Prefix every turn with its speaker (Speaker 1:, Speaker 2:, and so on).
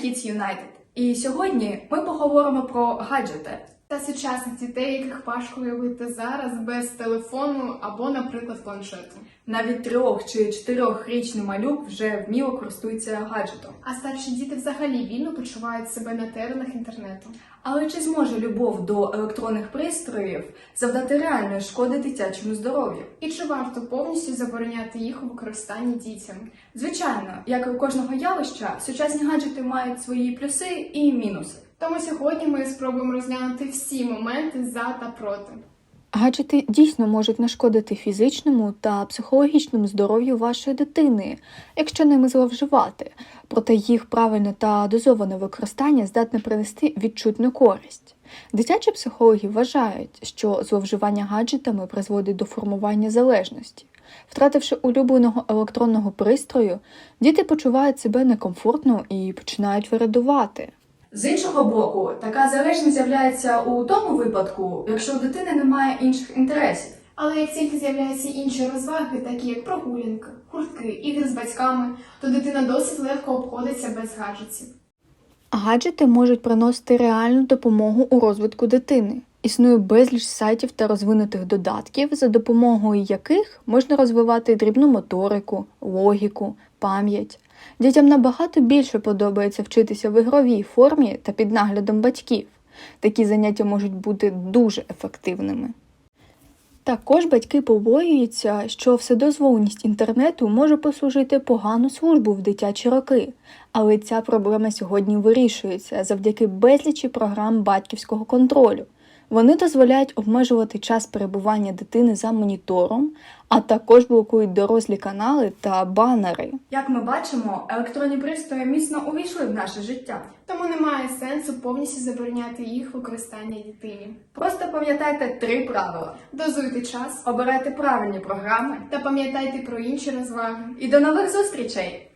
Speaker 1: Kids United. І сьогодні ми поговоримо про гаджети.
Speaker 2: Та сучасних дітей, яких важко уявити зараз без телефону або, наприклад, планшету.
Speaker 1: Навіть 3- чи 4-річний малюк вже вміло користується гаджетом.
Speaker 2: А старші діти взагалі вільно почувають себе на теренах інтернету.
Speaker 1: Але чи зможе любов до електронних пристроїв завдати реальної шкоди дитячому здоров'ю?
Speaker 2: І чи варто повністю забороняти їх у використанні дітям?
Speaker 1: Звичайно, як і у кожного явища, сучасні гаджети мають свої плюси і мінуси.
Speaker 2: Тому сьогодні ми спробуємо розглянути всі моменти за та проти.
Speaker 3: Гаджети дійсно можуть нашкодити фізичному та психологічному здоров'ю вашої дитини, якщо ними зловживати, проте їх правильне та дозоване використання здатне принести відчутну користь. Дитячі психологи вважають, що зловживання гаджетами призводить до формування залежності. Втративши улюбленого електронного пристрою, діти почувають себе некомфортно і починають вирадувати.
Speaker 1: З іншого боку, така залежність з'являється у тому випадку, якщо у дитини немає інших інтересів.
Speaker 2: Але як тільки з'являються інші розваги, такі як прогулянка, гуртки, ігри з батьками, то дитина досить легко обходиться без гаджетів.
Speaker 3: Гаджети можуть приносити реальну допомогу у розвитку дитини. Існує безліч сайтів та розвинутих додатків, за допомогою яких можна розвивати дрібну моторику, логіку, пам'ять. Дітям набагато більше подобається вчитися в ігровій формі та під наглядом батьків. Такі заняття можуть бути дуже ефективними. Також батьки побоюються, що вседозволеність інтернету може послужити погану службу в дитячі роки. Але ця проблема сьогодні вирішується завдяки безлічі програм батьківського контролю. Вони дозволяють обмежувати час перебування дитини за монітором, а також блокують дорослі канали та банери.
Speaker 1: Як ми бачимо, електронні пристрої міцно увійшли в наше життя.
Speaker 2: Тому немає сенсу повністю забороняти їх використання дитині.
Speaker 1: Просто пам'ятайте 3 правила.
Speaker 2: Дозуйте час
Speaker 1: Обирайте правильні програми.
Speaker 2: та пам'ятайте про інші розваги.
Speaker 1: І до нових зустрічей!